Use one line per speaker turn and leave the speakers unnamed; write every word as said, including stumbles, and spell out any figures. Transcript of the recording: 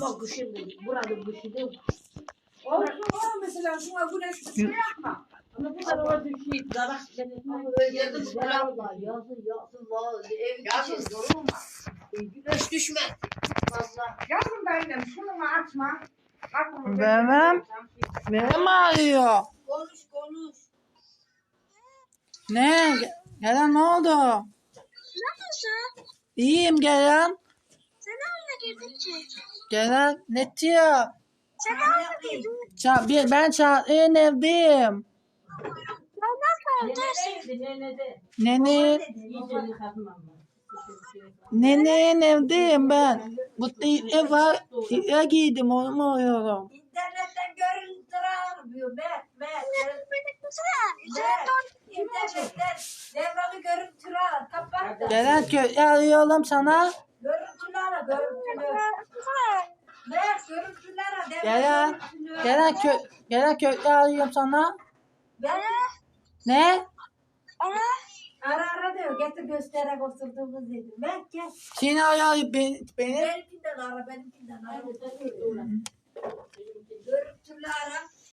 Ama kışın buranın kışı değil.
Olsun o mesela şuna güneş şey yapma.
Ama bu tarafa düşüyor. Zarak
Yakın
Zarak var. Yazın yazın var. Ev
Yazın
için.
durulma.
Güneş düşme. Fazla.
Yavrum benim şunu açma. Aklımı
Vermem. Benim ağrıyor.
Konuş konuş.
Ne? Gelen ne oldu?
Nasılsın?
İyiyim Gelen.
Sen oyuna girdin ki.
Gelen ne diyor?
Sen oyuna girdin.
Ça bir- ben Çağatay'ın evdeyim.
Ben nasıl evdesin?
Nenedeydi nenede.
Nene,
İyice yıkadım ama.
nenenin evdeyim ben. Bu ev var. Ya giydim onu mu uyuyorum?
İnternetten görüntü almıyor. Ben, ben, ben.
Beni güzel. Sen don.
İnternetten devranı görüntü al. Kapat.
Gelen kö arıyorum sana.
Görüntülü ara, görüntülü. Ver, görüntülü ara. devranı
Gelen,
görüntülü.
gelen kö gelen kö arıyorum sana.
Ver.
Ne?
Ana.
Ara ara diyor. Getir göstererek oturduğumuz dedi. Ver gel.
Seni arıyor beni. beni.
Benimkinden ara, benimkinden ara. Görüntülü ara.